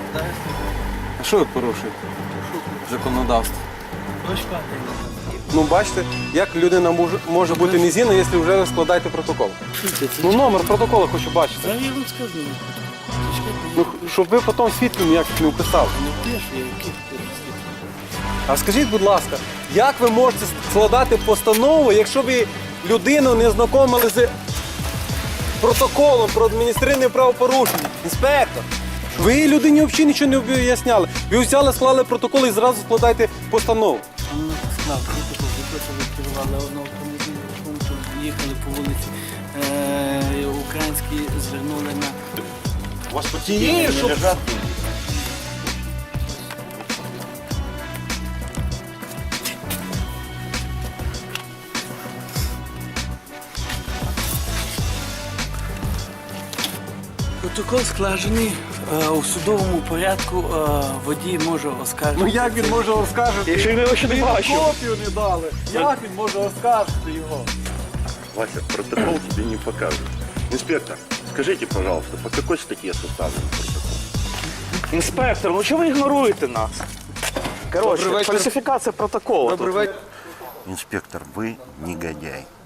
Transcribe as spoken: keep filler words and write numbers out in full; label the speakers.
Speaker 1: А що ви порушуєте? Законодавство. Ну, бачите, як людина може, може бути незгідна, якщо вже складаєте протокол. Ну, номер протоколу хочу бачити.
Speaker 2: Зараз я вам скажу.
Speaker 1: Ну, щоб ви потім свідків ніяких не вписали.
Speaker 2: Не пишу, я яких свідків.
Speaker 1: А скажіть, будь ласка, як ви можете складати постанову, якщо ви людину не знайомили з протоколом про адміністративне правопорушення? Інспектор, ви людині взагалі нічого не об'ясняли. Ви взяли, склали протокол і зразу складаєте постанову.
Speaker 2: Він склав протокол, ви просто відкривали одну автомобіль, їхали по вулиці, е, українські звернули на...
Speaker 3: У вас под сиденьем не лежат деньги?
Speaker 2: Протокол складений е, у судовому порядку, е, водій може оскаржити.
Speaker 1: Ну як він може оскаржити?
Speaker 4: Якщо він його ще не бачив.
Speaker 1: Копію не дали. Як він може оскаржити його?
Speaker 3: Вася, протокол тебе не покажут. Инспектор, скажите, пожалуйста, по какой статье составлен протокол?
Speaker 4: Інспектор, ну чого ви ігноруєте нас? Коротше,
Speaker 1: Добрий вечір.
Speaker 4: фальсифікація протоколу.
Speaker 1: Добрий
Speaker 4: тут.
Speaker 1: вечір.
Speaker 3: Инспектор, вы негодяй.